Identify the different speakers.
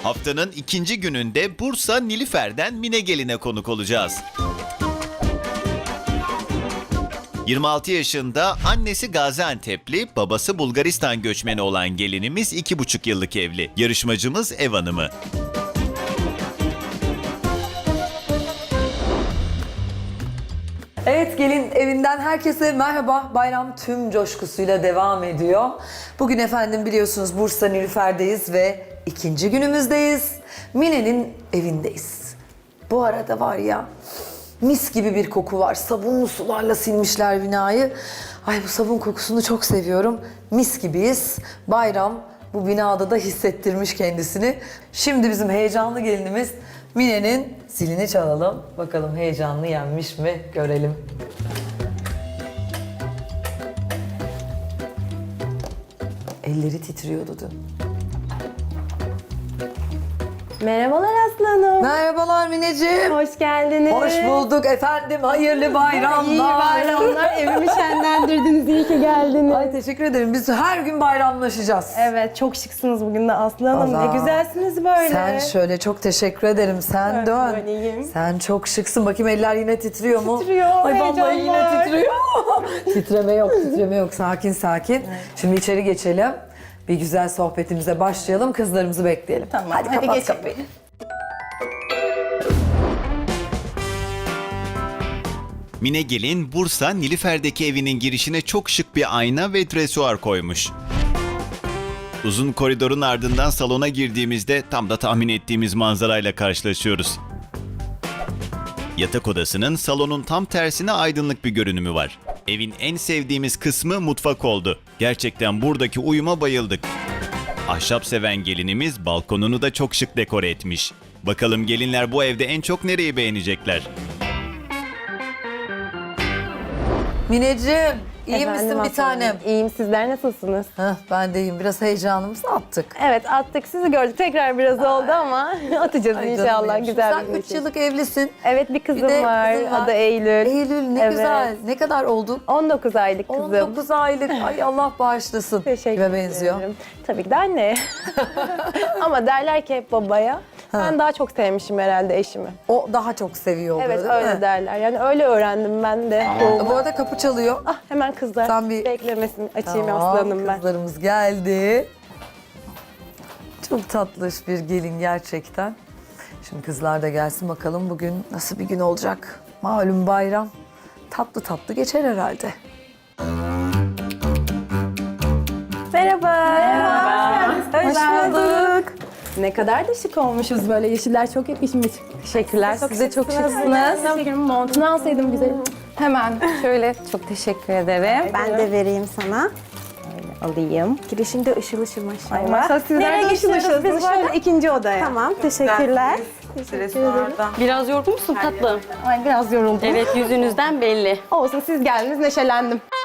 Speaker 1: Haftanın ikinci gününde Bursa Nilüfer'den Mine Gelin'e konuk olacağız. 26 yaşında, annesi Gaziantep'li, babası Bulgaristan göçmeni olan gelinimiz 2,5 yıllık evli. Yarışmacımız ev hanımı.
Speaker 2: Evet, gelin evinden herkese merhaba. Bayram tüm coşkusuyla devam ediyor. Bugün efendim biliyorsunuz Bursa Nilüfer'deyiz ve ikinci günümüzdeyiz. Mine'nin evindeyiz. Bu arada var ya, mis gibi bir koku var. Sabunlu sularla silmişler binayı. Ay, bu sabun kokusunu çok seviyorum. Mis gibiyiz. Bayram bu binada da hissettirmiş kendisini. Şimdi bizim heyecanlı gelinimiz Mine'nin zilini çalalım. Bakalım heyecanlı yenmiş mi görelim. Elleri titriyordu dün.
Speaker 3: Merhabalar Aslı Hanım.
Speaker 2: Merhabalar Mineciğim.
Speaker 3: Hoş geldiniz.
Speaker 2: Hoş bulduk efendim. Hayırlı bayramlar.
Speaker 3: İyi bayramlar. Evimi şenlendirdiniz. İyi ki geldiniz.
Speaker 2: Ay, teşekkür ederim. Biz her gün bayramlaşacağız.
Speaker 3: Evet, çok şıksınız bugün de Aslı Hanım.
Speaker 2: Allah.
Speaker 3: Ne güzelsiniz böyle.
Speaker 2: Sen şöyle, çok teşekkür ederim. Sen
Speaker 3: Evet,
Speaker 2: dön.
Speaker 3: böyleyim.
Speaker 2: Sen çok şıksın. Bakayım, eller yine titriyor mu?
Speaker 3: Titriyor,
Speaker 2: Ay vallahi
Speaker 3: heyecan
Speaker 2: yine
Speaker 3: var.
Speaker 2: titriyor. Titreme yok, titreme yok. Sakin sakin. Şimdi içeri geçelim. Bir güzel sohbetimize başlayalım. Kızlarımızı bekleyelim.
Speaker 3: Tamam,
Speaker 2: Hadi
Speaker 3: hadi
Speaker 2: kapat
Speaker 3: geçelim.
Speaker 2: kapıyı.
Speaker 1: Mine Gelin, Bursa Nilüfer'deki evinin girişine çok şık bir ayna ve dresuar koymuş. Uzun koridorun ardından salona girdiğimizde tam da tahmin ettiğimiz manzarayla karşılaşıyoruz. Yatak odasının salonun tam tersine aydınlık bir görünümü var. Evin en sevdiğimiz kısmı mutfak oldu. Gerçekten buradaki uyuma bayıldık. Ahşap seven gelinimiz balkonunu da çok şık dekore etmiş. Bakalım gelinler bu evde en çok nereyi beğenecekler?
Speaker 2: Mineciğim, iyi
Speaker 3: Efendim
Speaker 2: misin bir
Speaker 3: Aslı Hanım?
Speaker 2: tanem?
Speaker 3: İyiyim, sizler nasılsınız?
Speaker 2: Heh, ben de iyiyim. Biraz heyecanımızı attık.
Speaker 3: Evet, attık. Sizi gördük. Tekrar biraz oldu ama atacağız
Speaker 2: Ay canım
Speaker 3: inşallah.
Speaker 2: benim.
Speaker 3: Güzel
Speaker 2: Sen
Speaker 3: bir
Speaker 2: 3
Speaker 3: şey.
Speaker 2: yıllık evlisin.
Speaker 3: Evet, bir kızım
Speaker 2: Bir de
Speaker 3: var.
Speaker 2: kızın var.
Speaker 3: Adı Eylül.
Speaker 2: Eylül ne
Speaker 3: Evet.
Speaker 2: güzel. Ne kadar oldun?
Speaker 3: 19 aylık kızım.
Speaker 2: 19 aylık. Ay Allah bağışlasın.
Speaker 3: Teşekkür
Speaker 2: Kime
Speaker 3: ederim.
Speaker 2: benziyor?
Speaker 3: Tabii ki de anne. Ama derler ki hep babaya. Ben daha çok sevmişim herhalde eşimi.
Speaker 2: O daha çok seviyor oluyor,
Speaker 3: Evet,
Speaker 2: değil
Speaker 3: öyle
Speaker 2: mi?
Speaker 3: derler. Yani öyle öğrendim ben de.
Speaker 2: Bu arada kapı çalıyor.
Speaker 3: Ah, hemen kızlar.
Speaker 2: Sen bir-
Speaker 3: Beklemesin. Açayım
Speaker 2: Tamam,
Speaker 3: aslanım ben.
Speaker 2: kızlarımız geldi. Çok tatlış bir gelin gerçekten. Şimdi kızlar da gelsin bakalım bugün nasıl bir gün olacak. Malum bayram. Tatlı tatlı geçer herhalde.
Speaker 3: Merhaba. Hoş
Speaker 4: geldin.
Speaker 3: bulduk. Ne kadar da şık olmuşuz böyle. Yeşiller çok yakışmış. Teşekkürler. Siz de çok şıksınız. Teşekkür Montunu alsaydım güzelim. Hemen şöyle çok teşekkür ederim.
Speaker 4: Ben de vereyim sana.
Speaker 3: Alayım.
Speaker 4: Girişinde ışıl ışıl maşallah.
Speaker 3: Maşallah sizler de ışıl ışıl. Biz şöyle ikinci odaya.
Speaker 4: Tamam, teşekkürler.
Speaker 5: Biraz yorgun musun tatlım?
Speaker 3: Ay biraz yoruldum.
Speaker 5: Evet, yüzünüzden belli.
Speaker 3: Olsun, siz geldiniz, neşelendim.